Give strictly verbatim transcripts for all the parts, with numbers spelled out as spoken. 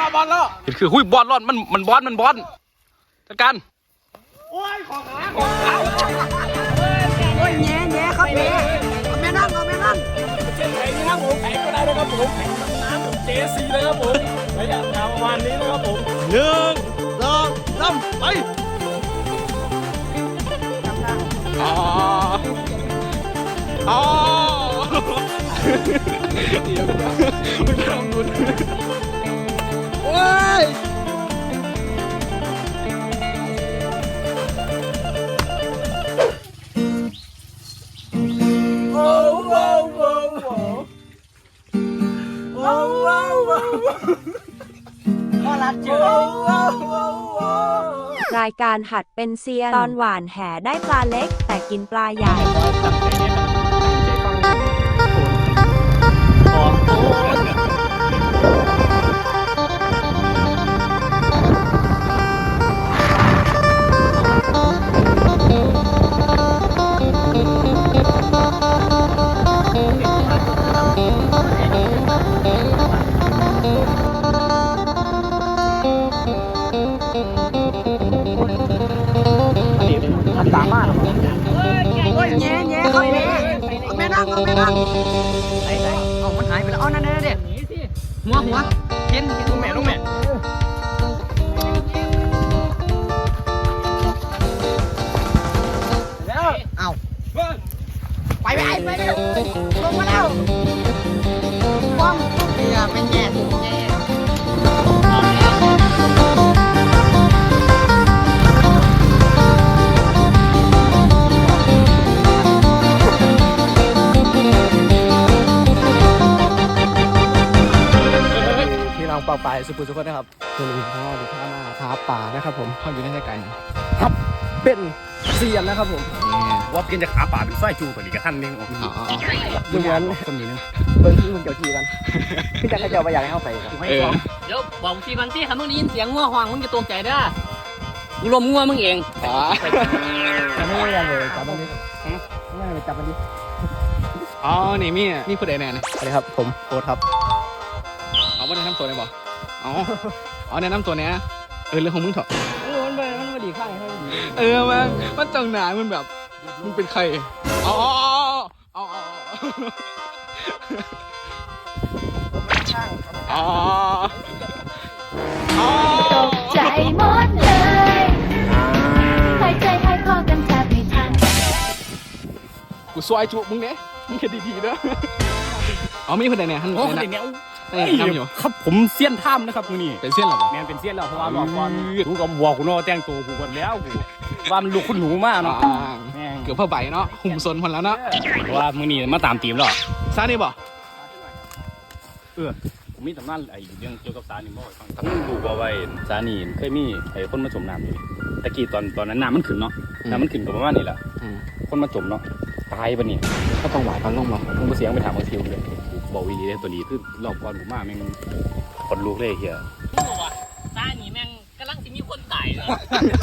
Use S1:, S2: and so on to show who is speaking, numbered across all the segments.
S1: แล้วบอลแล้วเห็นคือหุ้ยบอลรอดมันมันบอลมันบอลจัดการโอ้ยของขาของขา
S2: โอ้ยแง่แง่ครับแง่เอาแม่นั่งเอาแม่นั่ง
S1: เช่นไหนนี่ครับผมแข่งก็ได้นะครับผมแข่งน้ำผมเจซีเลยครับผมระยะทางประมาณนี้นะครับผมหนึ่งสองสามไปอ๋ออ๋อเดี๋ยวมันทำบุญโอ้ย
S3: รายการหัดเป็นเซียนตอนหวานแหได้ปลาเล็กแต่กินปลาใหญ่
S2: สามารถโอ้ยแง่แง่ครับแง่เอาแม่นั่งเอาแม่นั่งไหนไหนเอามันหายไปแล้วอ๋อนั่นนั่นเด็ดหัวหัวเห็นลูกแม่ลูกแม่แล้วเอาไปไปไปเร็วลงมาแล้วป้อมเนี่ยเป็นแง่ถูกแง่เป่าปลายสุขุมสุขนะครับคือลุงพ่อดูท่ามาหาป่านะครับผมพ่ออยู่ในใจไก่ครับเป็นเซียนนะครับผม
S1: ว่ากินจะขาป่าเป็นไส้จูกว่านี้กับท่านนึงอ๋อ
S2: เหมือน
S1: คนนี้นึง
S2: เบิ้งที่มึงเกี่ยวทีกันพี่จะให้เจ้าไปอยากให้เข้าไป
S4: เดี๋ยวบอกทีกันที่คำมึงได้ยินเสียงงัวหวงมึงจะตกใจเด้อกูลมงัวมึงเอง
S2: อ๋อไม่ไม่ยังเลยจับมันดิไม่เลยจับมันดิ
S1: อ๋อนี่มีนี่พูดได้แน่เลย
S2: สวัสดีครับผมโอ๊ตครับ
S1: เอาว่าแนะนำตัวได้บ่อ๋ออ๋อแนะนำตัวเนี้ยเออเรื่องของมึงเถอะ
S2: เออมันมันมันดีข้างให้ดี
S1: เออมันมันจังหนามันแบบมึงเป็นใครอ๋ออ๋ออ๋ออ๋อ
S3: ตกใจหมดเลยหายใจหายคอกันแทบไม่ทัน
S1: กูซอยจุมึงเนี่ยมึงคิดดีๆเด้อเอามีคนใดเนี่ยท่านคนใดเนี่ย
S5: ครับผมเซียนถ้ำนะครับมึงนี่
S1: เป็นเซียนหรอ
S5: แมนเป็นเซียนแล้วเพราะว่าหลอกก่อนดูกับวัวกูโน่แต่งตัวกูกันแล้วกูว่ามันลูกคุณหนูมากเนาะ
S1: เกือบเพื่อใบเนาะหุ่มซนพอแล้วเนาะ
S5: ว่ามึงนี่มาตามตีมหรอ
S1: ซานี่บ่
S5: เออผมมีตำนานไอ้เรื่องเกี่ยวกับสานี่บ่ฟังทั้งดูว่าไว้สานี่เคยมีไอ้คนมาจมน้ำอยู่ตะกี้ตอนตอนนั้นน้ำมันขึ้นเนาะน้ำมันขึ้นกับประมาณนี้แหละคนมาจมเนาะตายปะเนี่ย
S1: ก็ต้องหวานพันลงมา
S5: ผมก็เสียงไปถามบางทีเลยบอกวีดีเลยตัวนี้คือรอบก่อนผมมาแม่งคนลูกเลยเฮีย
S4: มึงบอกว่าตาหนีแม่งกำลังจะมีคนตายเลย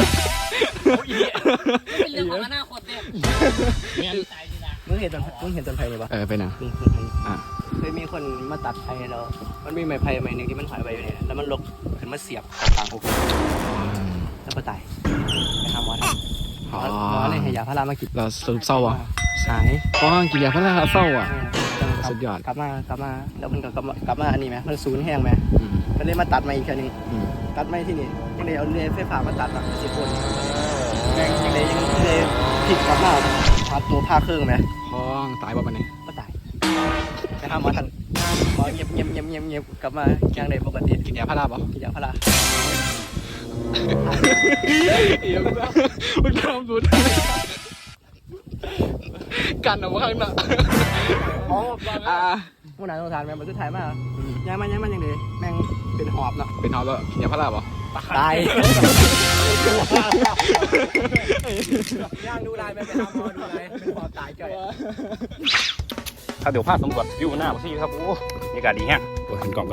S4: เป็นเรื่องของอนาคตเนี่ย
S2: มึงเห็นต้นมึงเห็นต้นไผ่ไหมปะ
S1: เออไปนะ
S2: อ่ะเคยมีคนมาตัดไผ่แล้วมันมีไม้ไผ่ไม้หนึ่งที่มันหายไปอยู่เนี่ยแล้วมันลกขึ้นมาเสียบกลางอกแล้วก็ตายไปทำวัดหมออะไรให้ยาพารามากิน
S1: เราสรุปเศร้าอ่ะ
S2: สาย
S1: เพราะกินยาพาราเศร้าอ่ะสุดยอด
S2: กลับมากลับมาแล้วมันก็กลับมากลับมาอันนี้ไหมมันศูนย์แห้งไหมมันเลยมาตัดมาอีกทีนึงตัดไม่ที่นี่ยังเลยเอาเลื่อยไฟฟ้ามาตัดแบบสิบคนยังเลยยังเลยผิดกลับมาพาตัวผ้าเครื่องไหม
S1: พ้องตายบ่ปะเนี่ย
S2: ก็ตายไปหาหมอทันหมอเงียบเงียบเงียบเงียบเงียบกลับมายังเลยปกติ
S1: กินยาพาราบ่
S2: กินยาพารา
S1: เอี่ยมจ้ะมันทำสุดกันเอาไว้ข้างหน้า
S2: อ๋ออ่าผู้นายต้องทานแม่งมันสุดท้ายมากยังมันยังมันยังดีแม่งเป็นหอบเนาะ
S1: เป็นหอบแล้วกินยาพาราบ่
S2: ตายย่างดูลายไปไปทำมอดูลายเป็นหอบตายจ่อย
S5: ถ้าเดี๋ยวพลาดสำรวจวิวหน้าพี่ครับโอ้บรรยากาศดีแฮะตัวเห็นกล่องกัน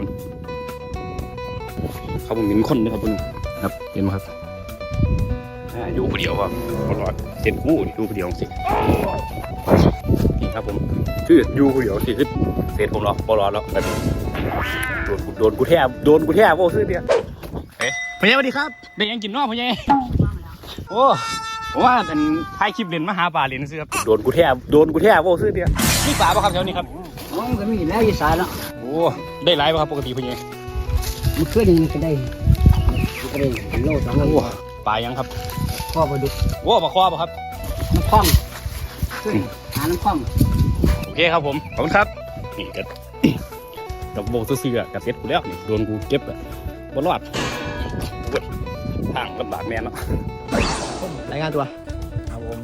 S5: เขาผมเห็นคนนะครับคุณครับเห็นไหมครับอยู่คนเดียวครับตลอดเส้นกู้อยู่คนเดียวสินี่ครับผมคืออยู่คนเดียวสิคือเสร็จผมรอบอลแล้วแบบโดนกูโดนกูแทบโดนกูแทบโอ้ซื้อเดียวเอ๊ะพ่อใหญ่สวัสดีครับได้ยังกินนอกพ่อใหญ่โอ้ผมว่าเป็นถ่ายคลิปเล่นมาหาปลาเล่นซื้อครับโดนกูแทบโดนกูแทบโอ้ซื้อเดียวนี่ปลาป่ะครับแถวนี้ครับ
S6: อ๋อก็มีแล้วอีสานแล้ว
S5: โอ้ได้หลายป่ะครับปกติพ่อใหญ่
S6: มันขึ้นมันก็ได้มันก็ได้โลสองโล
S5: โอ้ปลายังครับ
S6: ข้อปลาดุก
S5: โอ้ปลาคว้าป่ะครับ
S6: น้ำคล่องขึ้นหาน้ำคล่อง
S5: โอเคครับผมขอบคุณครับนี่กับ กับโบกซื้อๆกับเซ็ตกูแล้วนี่โดนกูเก็บอะบนรอดเว้ยทางลำบากแน่เนาะ
S2: รายงานตัว
S1: ครับผม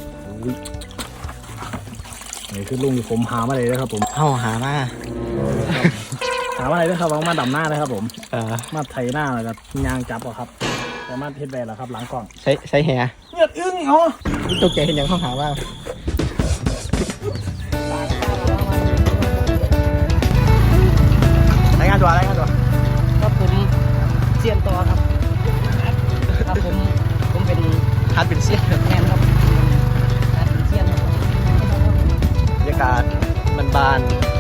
S1: นี่คือลุงที่ผมหามาเลยนะครับผม
S2: เฮาหามา
S1: หามาเลยนะครับมาดำหน้าเลยครับผม
S2: เอ่อ
S1: มาไถหน้าแล้วก็ยางจับอะครับแต่มาเทสแบนแล้วครับหลังกล้อง
S2: ใช้ใช้แห
S1: เงือดอึ้งเหรอ
S2: ตกใจเห็นยังเขาหาว่ารายงานตัวรายงานตัว
S6: ครับผมเซียนต่อครับครับผมผมเป็น
S2: ฮัดเป็นเสี้ยน
S6: แทนครับเซียนครับ
S2: บรรยากาศบาน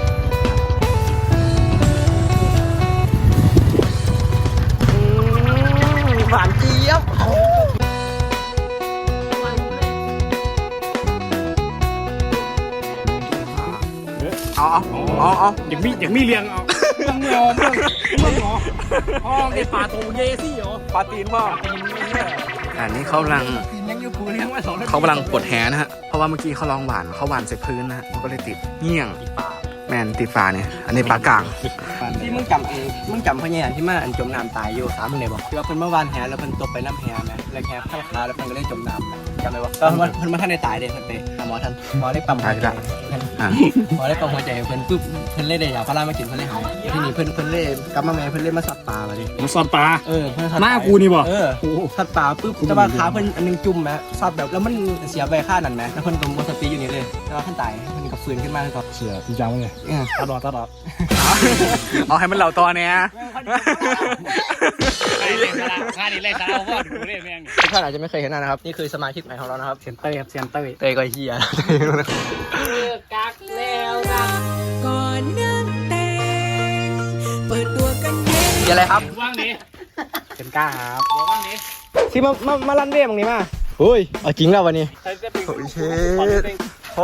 S2: ๆอืมหวานเจี๊ยบเอาเอาเอาเอา
S5: อย่างมีอย่างมีเลี้ยงเอาเมืองงอเมืองเมืองงออ๋อไอปลาโตเยซี่เหรอปลาตีนบ่
S2: อันนี้เขากำลัง
S6: ยังอยู่ปูเลี้ยงไว้สอง
S2: เขากำลังปลดแหนะฮะ เพราะว่าเมื่อกี้เขาลองหวานเขาหวานใส่พื้นนะฮะมันก็เลยติดเงี้ยงแมนติดฝาเนี่ย อันนี้ปลากลางที่มึงจำเองมึงจำพญานที่มาอันจมน้ำตายอยู่สามมึงเลยบอกที่ว่าเพิ่นเมื่อวานแหแล้วเพิ่นตกไปน้ำแหไหมแล้วแหข้างขาแล้วเพิ่นก็เลยจมน้ำจำได้ปะก็เพิ่นมาท่านในตายเด็เพิ่นไปหาหมอท่านหมอได้ปั๊มหัวใจหมอได้ปั๊มหัวใจเพิ่นปุ๊บเพิ่นเลยได้ยาพารามากินเพิ่นเลยหายที่นี่เพิ่นเพิ่นเลยกลับมาแม่เพิ่นเลยมาสัตว์ป่ามาดิ
S5: ผมสอนปลา
S2: เออเพิ่นสัตว์
S5: หน้ากูนี่บ่
S2: เออสัตว์ป่าปุ๊บแต่ว่าขาเพิ่นอันนึงจุ่มไหมสัตว์แบบแล้วมันเสียไปค่านั่นไหมแล้วเพิ่นก็หมดสติอยู่นี่เลยแล้วเพิ่นตายเพิ่นก็ฟื้นขึ้นมาแล้วก็
S1: เสือพี่จังเลย
S2: เออ
S1: ตลอดตลอด
S2: เอาให้มันเหล่าตอเนี่ย
S5: ไอ้เล่นละงานนี้เล่นซะเอาว่าดูเล่นแม่ง
S2: ทุกท่านอาจจะไม่เคยเห็นหน้านะครับ นี่คือสมาชิกใหม่ของเรานะครับ
S1: เซนเตอร์ครับเซนเตอร์
S2: เตยก็เฮีย
S6: กักแล้วนะ
S7: ก่อนนั่งแต่งเปิดตัวกันเย็น
S2: เฮียอะไรครับ
S5: ว่างดิ
S1: เป็นกล้าครับ
S5: ว่างดิ
S2: ที่มามามาลั่นเรื่องตรงนี้มาเฮ้ยเอาจริงแล้ววันนี้
S5: ใครจะเป็น
S2: โอ้ยเชดโอ้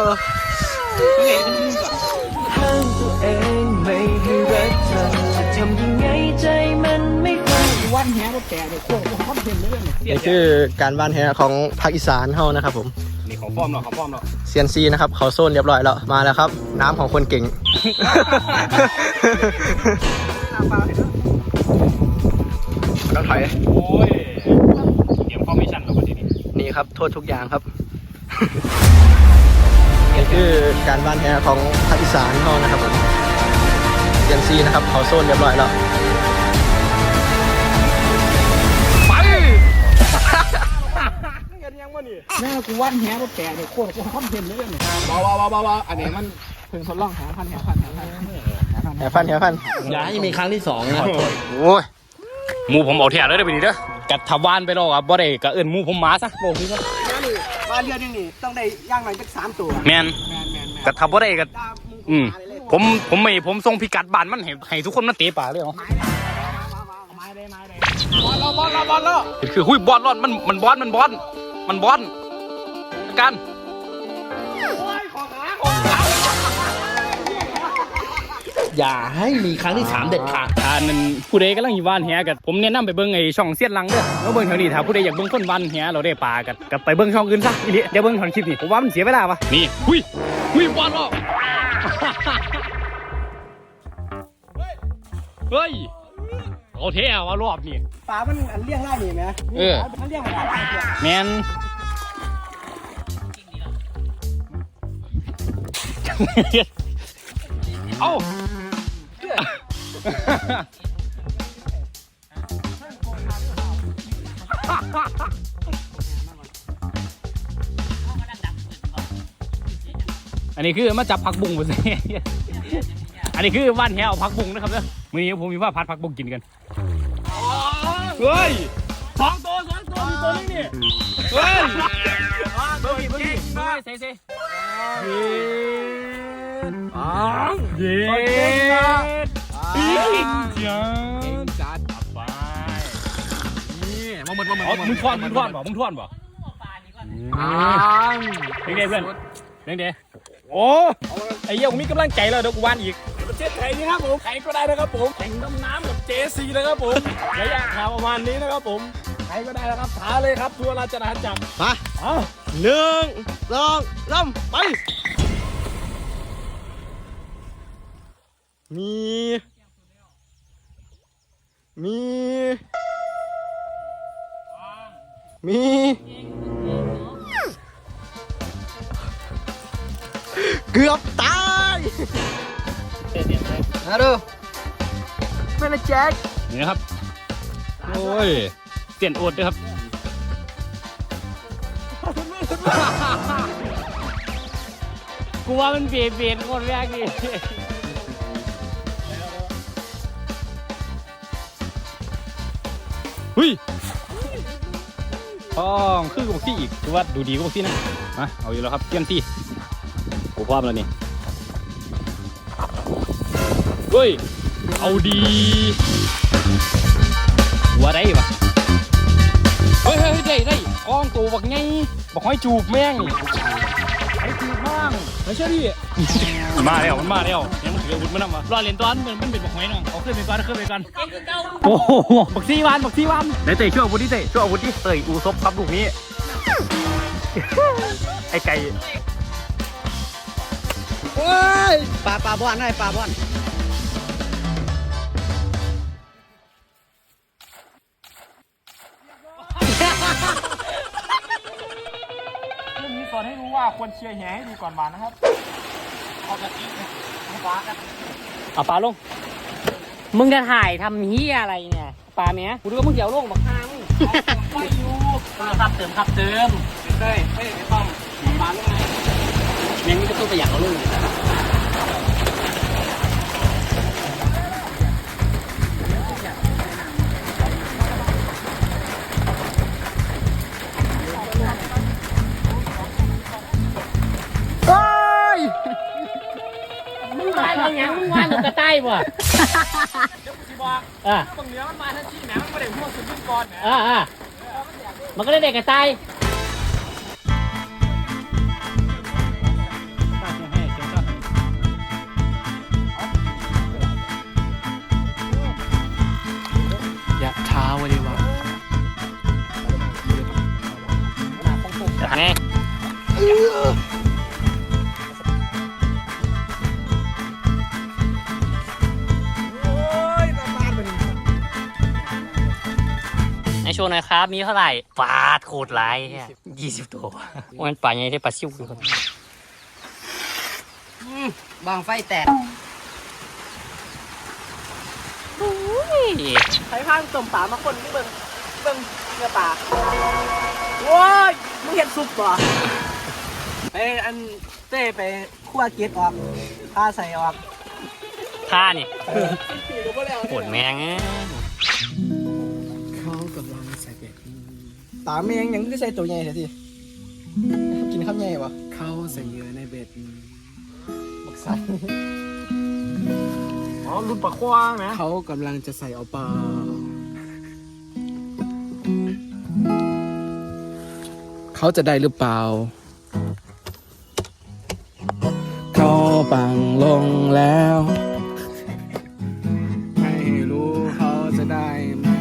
S7: ห้ามตัวเองไม่ให้รักเธอจะทำยังไงใจมันไม่ฟัง
S6: วันแหงรถแก่เนี่ยโคตรคอนเทนต์เลยเนี่ย
S2: นี่คือการบ้านแฮของภาคอีสานเฮานะครับผม
S5: นี่ของป้อมเนาะของป้อมเนาะ
S2: เซียนซีนะครับเขาโซนเรียบร้อยแล้วมาแล้วครับ น้ำของคนเก่ง ต้องถอย
S5: โอ้ยเตรียมฟอร์เมชั่นแล้ววันนี้
S2: นี่ครับโทษทุกอย่างครับ นี่คือการบ้านแฮของภาคอีสานเฮานะครับผมเซียนซีนะครับเขาโซนเรียบร้อยแล้วไป
S6: แม่กูวันแหงรถแก่เนี่ยโคตรคอนเทนต์เลยเนี่ย
S1: ว้าวว้าวว้าวอันนี้มันเพิ่งทดลองหาพันหาพันหาพัน
S2: แหฟันแหฟัน
S1: อย่าให้มีครั้งที่สองนะ
S5: โอ้ยหมูผมเอาแถวเลยเด้อไปดิเด้อกัดทวานไปแล้วครับบ่ได้ก็เอิ้นหมูผมมาซะโบกนี่ก็
S2: นี่บ้านเรือนนี่ต้องได้ย่างหน่อยสักสามตัว
S5: แม่นกัดทับบ่ได้ก็อืมผมผมไม่ผมส่งพิกัดบ้านมันให้ให้ทุกคนมาเตะป่าเลยเหรอคือหุ้ยบอลรอดมันมันบอลมันบอลมันบอลกัน
S1: อย่าให้มีครั้งที่สามเด็ดขาด
S5: อ่านั่นผู้ใดกำลังอยู่บ้านแหกันผมแนะนำไปเบิ่งไอ้ช่องเสียนลังเด้อแล้วเบิ่งแถวนี้ถ้าผู้ใดอยากเบิ่งคนบ้านแหเราได้ปลากันกับไปเบิ่งช่องอื่นซะอีหลีเดี๋ยวเบิ่งถอนคลิปนี่ผมว่ามันเสียเวลาปะนี่หุ้ยหุ้ยบอลรอดเฮ้ยเอาเท่ว่ารอบนี่
S2: ปลามันอันเลี้ยงได้นี่ไหม
S5: เออ
S2: มันเลี้ยงมาหลายตัว
S5: แมน เอ้าอันนี้คือมาจับผักบุ้งไปสิอันนี้คือว่านแหเอาผักบุ้งนะครับเด้อมื้อนี้ผมมีว่าพัดผักบุ้งกินกันเฮ้ยสองตัวสองตัวมีตัวนึงนี่เฮ้ยเบิ้งดิเบิ้งดิเบิ้งดิเซ่เซ่เย็นอ๋อเย็นจ้าจัดไปนี่มาหมดมาหมดมึงทอนมึงทอนบ่มึงทอนบ่เด้งเด้เพื่อนเด้งเด้โอ้ไอ้เหี้ยกูมีกำลังใจแล้วเดี๋ยวกูวานอีกประเทศไทยนี่ครับผมใครก็ได้นะครับผมแข่งดำน้ำกับเจซีนะครับผมระยะทางประมาณนี้นะครับผมใครก็ได้นะครับท้าเลยครับทัวร์ราชนาจักร
S2: มา
S5: เอา
S2: หนึ่งสองสามไปมีมีมีเกือบตายนะดูไม่นะแจ็ค
S5: นี่นะครับโอ้ยเสียนโอดด้วยครับกูว่ามันเบียดเบียนคนแรกนี่เฮ้ยต้องคือกับพี่อีกคือว่าดูดีกับพี่นะมาเอาอยู่แล้วครับเตรียมที่กูพร้อมแล้วนี่เฮ้ยเอาดีว่าได้ปะเฮ้ยเฮ้ยได้ได้กล้องตัวบักไงบักห้อยจูบแม่งนี่ไอ้จูบบ้างไม่ใช่ดิมันมาแล้วมันมาแล้วยังมันถืออาวุธมันนำมารอเล่นตอนมันมันเป็นบักห้อยน้องเอาขึ้นไปก่อนขึ้นไปก่อนโอ้โหบักซี่วันบักซี่วันไหนเตะช่วยอาวุธดิเตะช่วยอาวุธดิเตะอูซบครับลูกนี้ไอ้ไก่
S2: เฮ้ยปลาปลาบอลให้ปลาบอล
S1: เรื่องนี้สอนให้รู้ว่าควรเชียร์แหให้ดูก่อนมานะครับเอากระติกเอาปลากัน
S4: เอาปลาลงมึงจะถ่ายทำเฮียอะไรเนี่ยปลาเนี้ยกูดูว่ามึงเดี๋ยวลงบักฮามึงไปอยู่ครับเติมครับเติม
S1: เฮ้ยเฮ้ยไม่ต้องปลาลงไหน
S4: แม่งนี่ก็ต้องไปอยากเอาลง
S2: เฮ้ย
S4: มึงว่าอะไรยังมึงว่าลูกกระต่ายบ่
S1: เดี๋ยวกูสิบอก
S4: อ่ะ
S1: บางเหนือมันมาทันทีแหมมันไม่ได้หัวสุดยิ่งก่อนแหม
S4: อ่ะอ่ะมันก็ได้เด็กกระต่าย
S6: ยะท้าวะดีวะ
S4: ไง
S2: โอ้ยน้ำมันมัน
S4: ในโชว์หน่อยครับ มีเท่าไหร่ปลาโคตรร้ายเนี่ยยี่สิบตัวมันปลาไงที่ปลาซิ่วคือคน
S6: บางไฟแตก
S2: ใช้ผ้าต้มปลามาคนที่เบิ่งเบิ่งเนื้อปลาโว้ยมึงเห็นซุปป่ะไปอันเต้ไปคั่วเกล็ดออกผ้าใส่ออก
S4: ท่านี่ปวดแมงเอ้ย
S6: เขากำลังใส่เบ็ด
S2: ตาแมงยังไม่ใส่ตัวใหญ่เสียทีกินข้าวใหญ่ปะ
S6: เขาใส่เหยื่อในเบ็ด
S2: บักใส่
S1: อ๋อรุ่นปลาคว้างนะ
S6: เขากำลังจะใส่เอาปลาเขาจะได้หรือเปล่า เขาปังลงแล้ว ไม่รู้เขาจะได้ไหม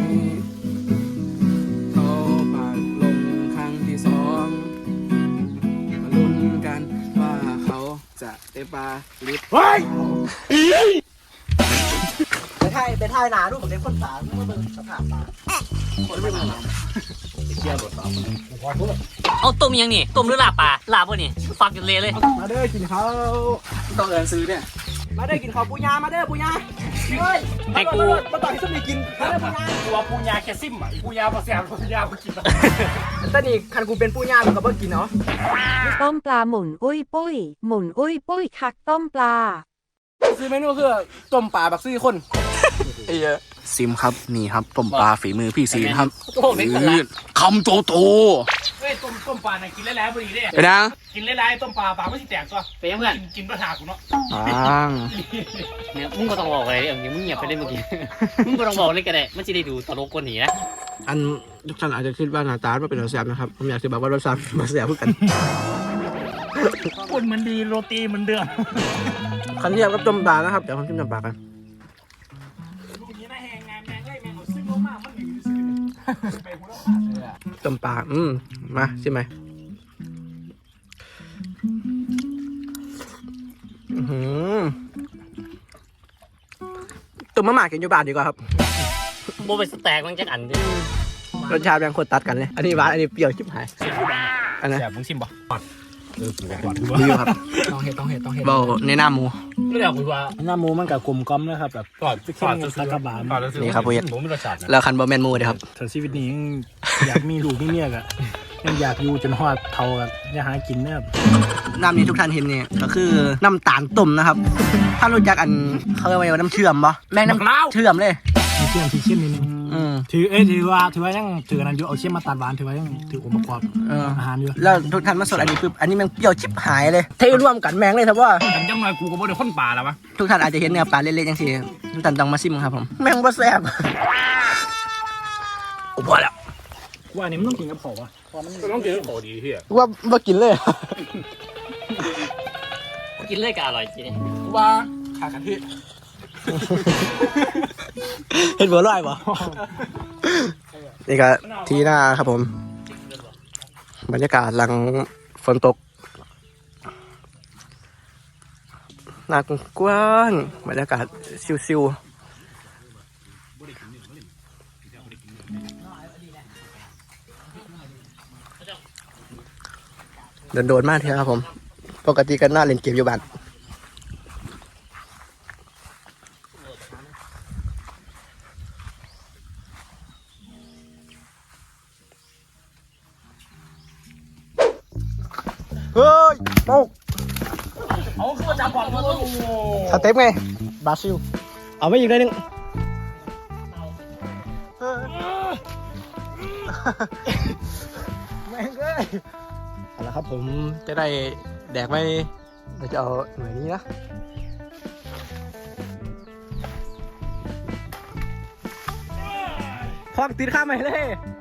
S6: เขาปังลงครั้งที่สองมาลุ้นกันว่าเขาจะได้ปลาหรือเปล่า
S2: ไปถ่ายไปถ่ายหนาดูผมเด็กคนปลาเมื่อเบิ่งสภาพปลาคนไม่มา
S4: เอาต้มยังนี่ต้มหรือลาบปลาลาบวะนี่ฟักจนเละเลย
S2: มาเด้อกินข้าว
S6: ต้องเอินซื้อเนี่ย
S2: มาเด้อกินข้าวปูยามาเด้อปูยาเฮ้ย
S4: ให้กู
S2: มาต่อให้ส้มนี่กินมาเด้อปูยา
S1: ตัวปูยาแคซิมอ่ะปูยาปลาแซมปูยาปลากิน
S2: ตอนนี้คันกูเป็นปูยากูก็บ่กินเนาะ
S3: ต้มปลาหมุนอุ้ยปุ้ย หมุนอุ้ยปุ้ยคักต้มปลา
S2: ซื้อเมนูคือต้มปลาบักซี่คนไอ้เหี้ย
S6: ซิมครับนี่ครับต้มปลาฝีมือพี่ซีนครับ
S4: โอ้โหไม่คนละ
S6: คำโตโต
S1: เฮ้ยตัว
S5: ต้มต้มปลาน่ะกินหลายๆพอดีเด้
S2: ไปดัง
S5: กินหลายๆต้มปลาปลาไม่สิแตกก็
S4: ไปยังเพื่อน
S5: กินกินปลาถากูเนาะ
S2: ปัง
S4: เนี่ยมึงก็ต้องบอกอะไรอย่างนี้มึงเงียบไปเลยเมื่อกี้ มึงก็ต้องบอกเลยก็ได้มันจะได้ดูตลกกว่านี้นะ
S2: อันทุกท่านอาจจะคิดว่าหน้าตาไม่เป็นรสแซ่บนะครับผมอยากจะบอกว่ารสชาติมาแซ่บเพื่อกัน
S5: คนมันดีโรตีมันเดือด
S2: คันเทียบกับต้มปลานะครับเดี๋ยวผมชิมต้มปลากัน
S5: ลูกนี้น่าแหงงานแมงไล่แมงเอาซึ่งลงมามันหนีซื้อไปหัวเราะ
S2: ต้มปลาอืมมาชิมไหมอื้อหือต้มมะหม่ากินอยู่บ้านดีกว่าครับ
S4: โบไปสแต็กมันจะอันดิ
S2: รสชาติแบ่งคนตัดกันเลย อันนี้หวาน อันนี้เปรี้ยวชิบหาย อันนั้น
S5: แซ่บมึงชิมป่ะเออกูก่อน
S2: ดีอยู่ครับ
S6: ต้องเห็ดต้องเห็ดต้องเห็ด
S2: เบาในหน้าหมู
S5: ไม่ได้คุยว่า
S6: หน้าหมูมันกับกลมกล่อมนะครับแบบ
S5: ก่อนก่อนจะ
S6: ตะกะบาน
S2: นี่ครับผู้เฮ็ด
S5: ผมไม่รสชาตินะ
S2: แล้วคันบะแมนหมูเด้อครับ
S6: ถ้าชีวิตนี้ยังอยากมีลูกมีเมียกะยังอยากอยู่จนฮอดเท่ากันอย่าหากินนะครับ
S2: น้ำนี้ทุกท่านเห็นเนี่ยก็คือน้ำตาลต้มนะครับ ถ้ารู้จักอันเขาเรียกว่าน้ำเชื่อมปะแม่งน้ำเชื่อมเลย
S6: มีเชื่อมที่เชื่อมนิดนึง
S2: อืม
S6: ถือเอ้ยถือว่าถือว่ายังถืออันนั้นอยู่เอาเชื่อมมาตัดหวานถือว่ายังถือองค์ประกอบ
S2: เออ
S6: อาหารอยู่
S2: แล้วทุกท่านมาสดอันนี้ปุ๊บอันนี้แมันเปรี้ยวชิบหายเลยเทรวมกันแมงเลยครับว่า
S5: กันจังหน่อยกูก็บ่ได้คนป่าแล้ววะ
S2: ทุกท่านอาจจะเห็นเนื้อปลาเล็กๆอย่างที่ทุกท่านต้องมาซิมครับผมแมงบ่แซ่บโอ้พอแล้ว
S6: ว่าอันนี้มันต้องกินกับเขาวะ
S5: ต้องกินโอ้ดีเฮีย
S2: ว่าบ่กินเลย
S4: กินเลยก็อร่อยจริง
S5: ว่าขากะทิ
S2: เห็นบัวลอยบ่นี่ก็ทีหน้าครับผม บรรยากาศหลังฝนตกหน้ากว้างบรรยากาศซิวๆโดนๆมากเถอะครับผม ปกติกันหน้าเล่นเกมอยู่บ้านเฮ้ยโป๊ก
S5: เอาคือว่าจับก่อนโอ้โห
S2: สเต็ปไง บราซิล เอาไม่อีกได้หนึ่งแม่งเลยเอาละครับผมจะได้แดกไปเราจะเอาหน่วยนี้นะควักติดข้ามไปเลย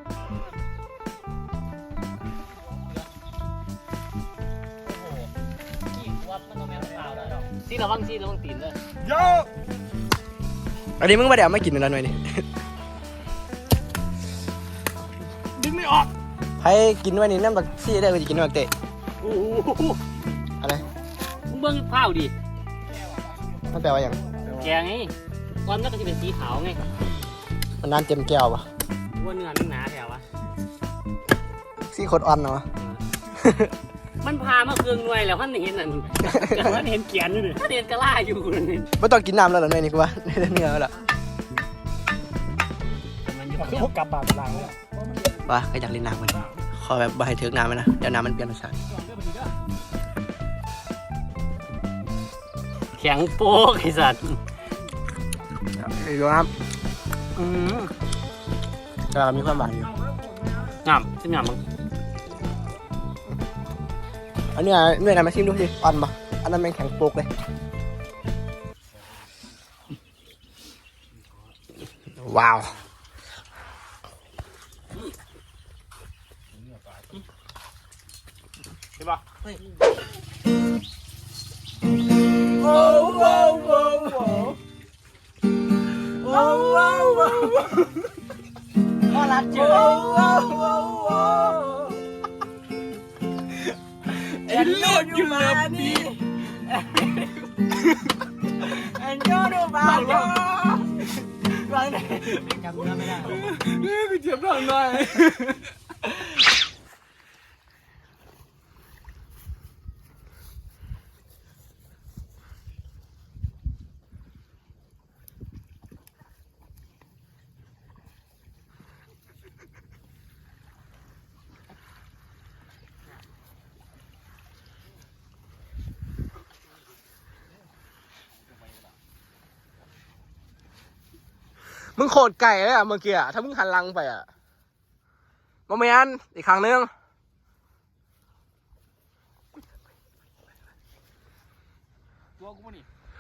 S4: ซีระวังซีระวังตีนเลย
S5: โย
S2: อันนี้มึงมาเดี๋ยวไม่กินแล้วหน่อยนี่
S5: ดึงไม่ออก
S2: ให้กินไว้นี่น้ำบักซี่ได้ก็จะกินบักเตะ
S4: โอ้โห
S2: อะไร
S4: มึงเบิ่งข้าวดิ
S2: มันแปลว่าอย่าง
S4: แกงไงก้อนมันก็จะเป็นสีขาวไง
S2: มันน้ำเต็มแก้วปะ
S4: ว่าเนื้อมันหนาแถววะ
S2: ซี่โคตรอ่อนเนาะ
S4: มันพามาเครื่องหน่วยแล้วท่านเห็นนั่นท่านเห็นเกียนอยู่ท่านเห็นกระล่าอยู่นี่
S2: ไม่ต้องกินน้ำแล้วเหรอหน่อยนี่กูว่า ได้เนื้อแล้วล่ะ
S6: คือพวกกลับบาดหลังเลย
S2: ว่าก็อยากเล่นน้ำกันขอแบบบ่ให้เถิกน้ำมันนะเดี๋ยวน้ำมันเปลี่ยนรสชาติ
S4: แข็งโป๊กไอ้สัตว์
S2: ไอ้ดูครับอืมก็มีความหวานอยู่
S4: งามชิ้นงามมั้ง
S2: อันนี้เนื้อไหนมาชิมดูสิอ่อนปะอันนั้นแม่งแข็งโปกเลยว้าว
S5: ใช่ป่ะ
S2: พ่อรักเจอ
S5: เอ็นโลดอยู่เลยนี่
S2: เอ็นโยดูบ้าโยร้อยไหน
S6: จำเนื้อไม่ได้
S5: นี่ไปเทียบทางหน่อย
S2: มึงโคตรไก่เลยอ่ะเมื่อกี้อ่ะถ้ามึงหันหลังไปอ่ะโมเมนอีกครั้งนึง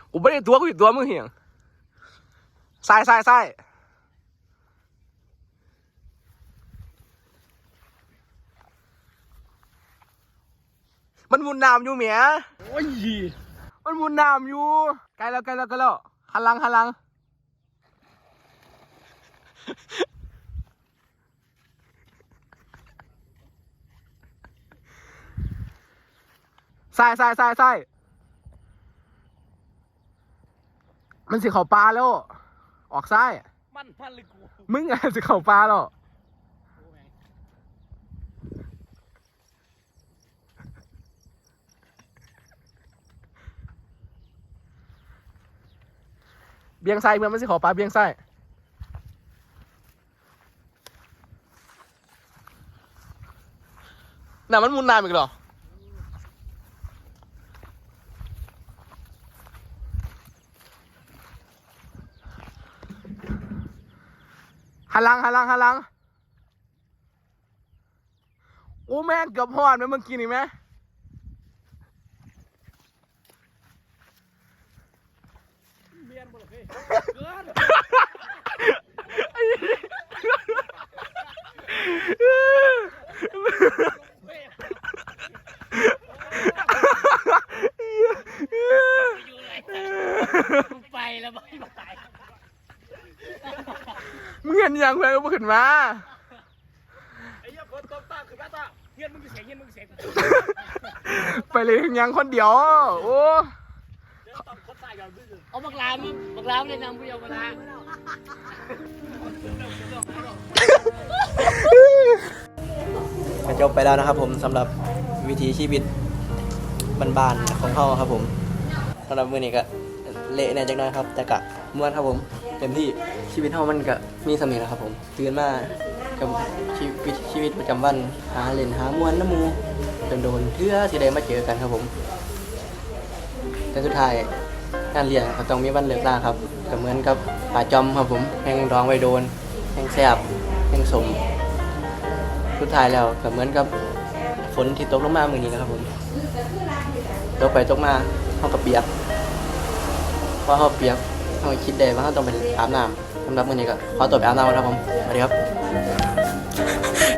S6: กูไม่ได้ตัวกูอยู่ตัวมึงเหี่ยงใส่ใส่ใส่มันมุนน้ำอยู่เมีย
S1: โอ้ย
S6: มันมุนน้ำอยู่ใกล้แล้วใกล้แล้วใกล้แล้วหันหลังหันหลังใส่ใส่ใส่ใส่มันสิเข้าปลาแล้ว ออกซ้าย
S1: มันพันเลยกู
S6: มึงอะสิเข้าปลาแล้วเบียงซ้ายเมื่อมันสิเข้าปลาเบียงซ้ายน่ะมันมุนน้ำอีกเหรอหันหลังหันหลังหันหลังโอ้แม่งเกือบหอดไหมเมื่อกี้นี่ไหม
S4: ไปแล้วไม่ไป
S6: มึงเห็นยังไงก็ขึ้นมา
S1: ไอ้เหี้ยคนตบตาคือแม่ตาเฮียนมึงจะเสียงเฮียนมึงจะเสียง
S6: ไปเลยยังคนเดียวโอ้
S1: เดี๋ยวตบคนตายก่อนพี่
S4: เอาบักลามบักลามเลยนำผู้เยาว์มาละ
S2: ก็จบไปแล้วนะครับผมสำหรับวิถีชีวิตบ้านๆของเขาครับผมสำหรับมื้อนี้ก็เละแน่จังน้อยครับ แต่กะม่วนครับผมเต็มที่ชีวิตเขามันก็มีสมิธนะครับผมตื่นมากับชีวิตชีวิตประจำวันหาเล่นหามวนน้ำมูโดนๆเพื่อสิได้มาเจอกันครับผมแต่สุดท้ายการเรียนก็ต้องมีวันเลิกลาครับก็เหมือนกับป่าจอมครับผมแห้งร้องไว้โดนแห้งแซ่บแห้งสมสุดท้ายแล้วก็เหมือนกับฝนที่ตกลงมามื้อนี้นะครับผมตกไปตกมาเขาก็เปียกพอเขาเปียกเขาคิดได้ว่าเขาต้องไปอาบน้ำสำหรับมื้อนี้ก็ขอตัวไปอาบน้ำก่อนครับผมสวัสดีครับ